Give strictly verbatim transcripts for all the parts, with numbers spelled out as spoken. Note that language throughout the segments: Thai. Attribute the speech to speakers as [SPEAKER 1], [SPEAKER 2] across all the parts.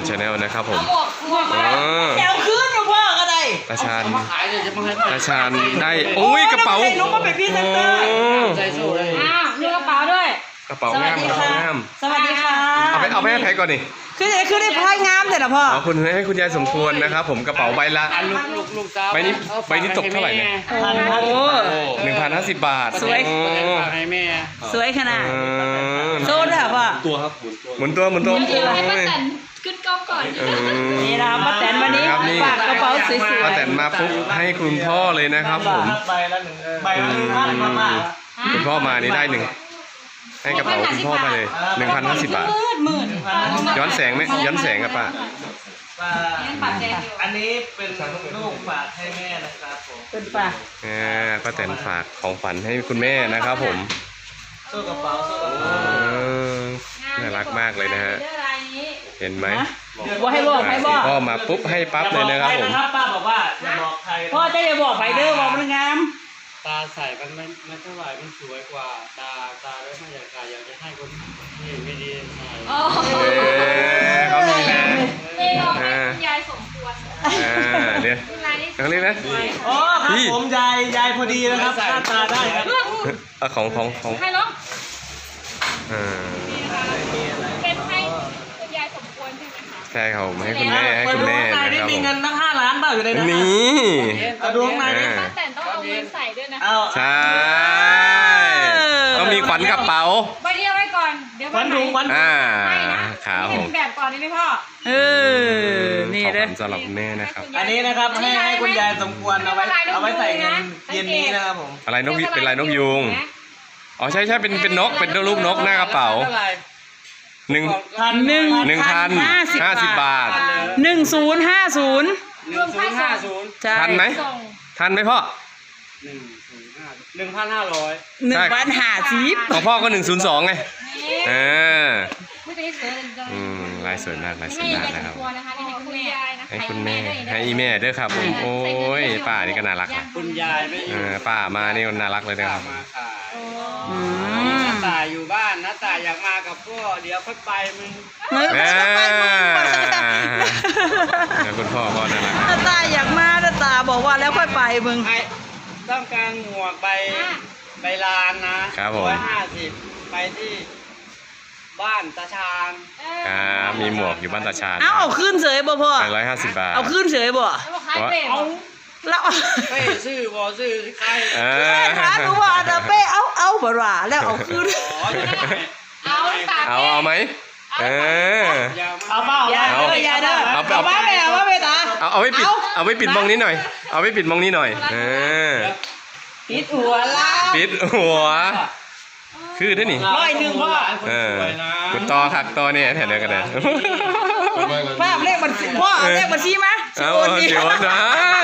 [SPEAKER 1] ชาแนลนะครับผม
[SPEAKER 2] แถวคืนพ่อก็ได้
[SPEAKER 1] ตาชาญตาชาญได้โอ้ยกระเป๋า
[SPEAKER 2] นุ๊กก็เป็นพี่เซนเตอร์
[SPEAKER 3] ใจสู้เลย
[SPEAKER 4] อ้าวมีกระเป๋าด้วย
[SPEAKER 1] กระเป๋างามกระเป๋างาม
[SPEAKER 2] สวัสดีค่ะ
[SPEAKER 1] เอาไปเอาไปให้แพ็กก่อนดิ
[SPEAKER 2] คือคือได้พายงามเลยนะพ่อ
[SPEAKER 1] ขอบคุณให้คุณยายสมควรนะครับผมกระเป๋าใบละ
[SPEAKER 3] ลูกลูกลูกสาว
[SPEAKER 1] ใบนี้ใบนี้ตกเท่าไหร่เนี่ย
[SPEAKER 2] พันห้า
[SPEAKER 1] หนึ่งพันห้าสิบบาท
[SPEAKER 2] สวย
[SPEAKER 1] โอ้
[SPEAKER 3] ให้แม่
[SPEAKER 2] สวยขนาด
[SPEAKER 1] เออ
[SPEAKER 2] โซนด้วยพ่อ
[SPEAKER 5] ตัวครับหมุนตัว
[SPEAKER 1] หมุนตัวหมุนตัว
[SPEAKER 4] เดี๋ยวให้ป้า
[SPEAKER 1] โอ้ย
[SPEAKER 4] แตนขึ้นกล้องก่อน
[SPEAKER 1] เออ
[SPEAKER 2] นี่นะครับป้าแตนวันนี้
[SPEAKER 1] ครับนี่
[SPEAKER 2] ฝากกระเป๋าสวย
[SPEAKER 1] ป้าแตนมาปุ๊บให้คุณพ่อเลยนะครับผม
[SPEAKER 5] ใบละหนึ่งใบละหนึ่งพันมาก
[SPEAKER 1] คุณพ่อมานี่ได้หนึ่งให้กระเป๋าคุณพ่อไปเลยหนึ่งพันห้าสิบบาท
[SPEAKER 2] มืดมืด
[SPEAKER 1] ย้อนแสงไหมย้อนแสงกับป้า
[SPEAKER 5] ป้า
[SPEAKER 4] ยังปัดแจงอยู่
[SPEAKER 5] อันนี้เป็นลูกฝากให้แม่นะครับผม
[SPEAKER 2] เป็นปะ
[SPEAKER 1] อ่าป้าแตนฝากของฝันให้คุณแม่นะครับผม
[SPEAKER 5] โซ่กระเป๋าโซ่กระ
[SPEAKER 1] เอ
[SPEAKER 5] เป๋า
[SPEAKER 1] อน่ารักมากเลยนะฮะ
[SPEAKER 4] เรื่องอะไรนี้
[SPEAKER 1] เห็นไหม
[SPEAKER 2] ว่าให้บอกให้บอก
[SPEAKER 1] พ่อมาปุ๊บให้ปั๊บเลยนะครับผม
[SPEAKER 5] นะครับป้าบอกว่าอย่าบอกใคร
[SPEAKER 2] พ่อจะอย่าบอกไผเด้อบอกมันงาม
[SPEAKER 3] ตาใส่มันไม่ไม่เท่าไหร่มันสวยกว่าตาตาแล้วไม่อยากขายอยากจะให้คนที่ไม่ดีใส่
[SPEAKER 4] อ๋อ
[SPEAKER 1] เออเขามีนะ
[SPEAKER 4] เมย์บอกให้คุณยายสมควร
[SPEAKER 1] อ่าเดี๋ยว
[SPEAKER 4] คุณยายนี่
[SPEAKER 1] เขาเรียกนะ
[SPEAKER 5] อ๋อครับผมยายยายพอดีนะครับหน้าตาได้ครับ
[SPEAKER 1] เอาของของของ
[SPEAKER 4] ให้น้อง
[SPEAKER 1] อ่า
[SPEAKER 4] เป็นให้คุณยายสมควรใช่ไหมคะ
[SPEAKER 1] ใช่ครับผมให้คุณแม่ให้
[SPEAKER 5] เปิด
[SPEAKER 1] คุณ
[SPEAKER 5] ดว
[SPEAKER 1] แม่
[SPEAKER 5] งใน
[SPEAKER 1] นะ
[SPEAKER 5] นี่
[SPEAKER 1] ครับ
[SPEAKER 5] มี
[SPEAKER 1] ผม
[SPEAKER 5] เงินตั้งห้าล้านเปล่าอยู่ในนั้น
[SPEAKER 1] นี่
[SPEAKER 5] เอาดวงในนี่
[SPEAKER 4] ป้าแตนต้องเอาเงินใส่ด้วยนะ
[SPEAKER 5] เอา
[SPEAKER 1] ใช่ต้องมีขวัญกระเป๋า
[SPEAKER 4] ใบเดียวไว้ก่อน เดี๋ยว
[SPEAKER 5] วั
[SPEAKER 4] วัน นไหน
[SPEAKER 5] ถุงวัน
[SPEAKER 1] อ่า
[SPEAKER 4] ให้นะครับ
[SPEAKER 1] ผ
[SPEAKER 4] เห็
[SPEAKER 1] ม
[SPEAKER 4] นแบบก่อนได้ไหมพ่อ
[SPEAKER 2] เออนี่
[SPEAKER 1] ขอบ
[SPEAKER 2] เด้อ
[SPEAKER 1] คุณสำหรับคุณแม่นะครับ
[SPEAKER 5] อันนี้นะครับให้ให้คุณยายสมควรเอาไว้เอาไว้ใส่เงินเย็นนี้นะครับผม
[SPEAKER 1] อะไรนกเป็นลายนกยูงอ๋อใช่ใช่เป็นเป็นนกเป็นรูปนกหน้ากระเป๋า
[SPEAKER 3] เท่าไหร่
[SPEAKER 1] หนึ่ง
[SPEAKER 5] พัน
[SPEAKER 2] หนึ่ง
[SPEAKER 1] หนึ่งพันห้าสิบบาท
[SPEAKER 2] หนึ่งศูนย์ห้าศูนย์
[SPEAKER 3] หนึ่งศูนย์ห้าศูนย์
[SPEAKER 2] ใช่
[SPEAKER 1] ทันไหม
[SPEAKER 4] ส่ง
[SPEAKER 1] ทันไหมพ่อ
[SPEAKER 3] หนึ่งศูนย์ห้าหนึ่งพันห้าร้อย
[SPEAKER 2] หนึ่งพันห้าสิบ
[SPEAKER 1] ของพ่อก็หนึ่งศูนย์สองไง
[SPEAKER 4] นี่
[SPEAKER 1] เออ
[SPEAKER 4] ไม่ได้สวยเลย
[SPEAKER 1] อืมลายสวยมากลายสวย
[SPEAKER 4] ให้
[SPEAKER 1] มาก
[SPEAKER 4] ยายส
[SPEAKER 1] นะ
[SPEAKER 4] ม
[SPEAKER 1] ครับ
[SPEAKER 4] ควรนะคะให้คุณยายนะ
[SPEAKER 1] ให้คุณแม่ให้อีแม่ด้วยครับผมโอ้ยป้านี่ก็น่ารักนะ
[SPEAKER 3] คุณยายไม่อ
[SPEAKER 1] เอยู่ อป้ามานี่ก็น่ารักเลยนะครับ
[SPEAKER 3] มาขาย
[SPEAKER 2] อืม
[SPEAKER 3] น้าตายอยู่บ้านน้าตายอยากมากับพ่อเดี๋ยวค่อยไปมึง
[SPEAKER 2] เมื่อ
[SPEAKER 1] แม่
[SPEAKER 2] ไปมึง
[SPEAKER 1] แล้วคุณพ่อก็น่ารัก
[SPEAKER 2] ตาตาอยากมาตาตาบอกว่าแล้วค่อยไปมึง
[SPEAKER 3] ไอ้ต้องการหมวกใบใบลานนะครับ
[SPEAKER 1] ผม
[SPEAKER 3] ร้อยห้าสิบไปที่บ้านตาชาญ
[SPEAKER 1] ครับมีหมวกอยู่บ้านตาชาญ
[SPEAKER 2] เอาเอาขึ้นเฉยบ่พ่อ
[SPEAKER 1] ไปร้อยห้าสิบบาท
[SPEAKER 2] เอาขึ้นเฉยบ่
[SPEAKER 4] แล้วบอกขายเป็ด
[SPEAKER 3] เอา
[SPEAKER 2] แล้ว
[SPEAKER 3] เป้ซื้อบอซื้อใคร
[SPEAKER 1] เอ
[SPEAKER 2] แม่
[SPEAKER 1] อ
[SPEAKER 2] ถามดูว่าตาเป้เอาเอาบ่ว่าแล้วเอาขึ้น
[SPEAKER 3] อ๋อจะได้
[SPEAKER 4] เอาตาก
[SPEAKER 1] เอาเอาไหมเออ
[SPEAKER 3] อย่า
[SPEAKER 5] เอาเปล่า
[SPEAKER 2] อย่าเด้ออย่าเด้อ
[SPEAKER 1] เอา
[SPEAKER 2] เอาว่าแม่เอาว่าแม่ตา
[SPEAKER 1] เอาเอาไว้ปิดเอาไว้ปิดมองนี้หน่อย เอาไว้ปิดมองนี้หน่อยเออ
[SPEAKER 2] ปิดหัวละ
[SPEAKER 1] ปิดหัว คือได้นี่
[SPEAKER 2] ร้อยหนึ่งพ่อ
[SPEAKER 1] เออคุณต่อคักต่อเนี่ยแถวเดียวกันเลย
[SPEAKER 2] ภาพเลขบัญชีพ่อเอาเลขบัญชีมา
[SPEAKER 1] เอา
[SPEAKER 2] โอน
[SPEAKER 1] เดี๋
[SPEAKER 2] ดี
[SPEAKER 1] ยวได้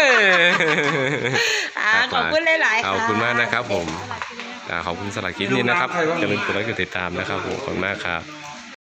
[SPEAKER 2] อ่าขอบคุณหลายๆ
[SPEAKER 1] ข
[SPEAKER 2] ค่ะ
[SPEAKER 1] อบคุณมากนะครับผมอ่าขอบคุณสำหรับคลิปนี้นะครับอย่าลืมกดไลค์กดติดตามนะครับผมขอบคุณมากครับ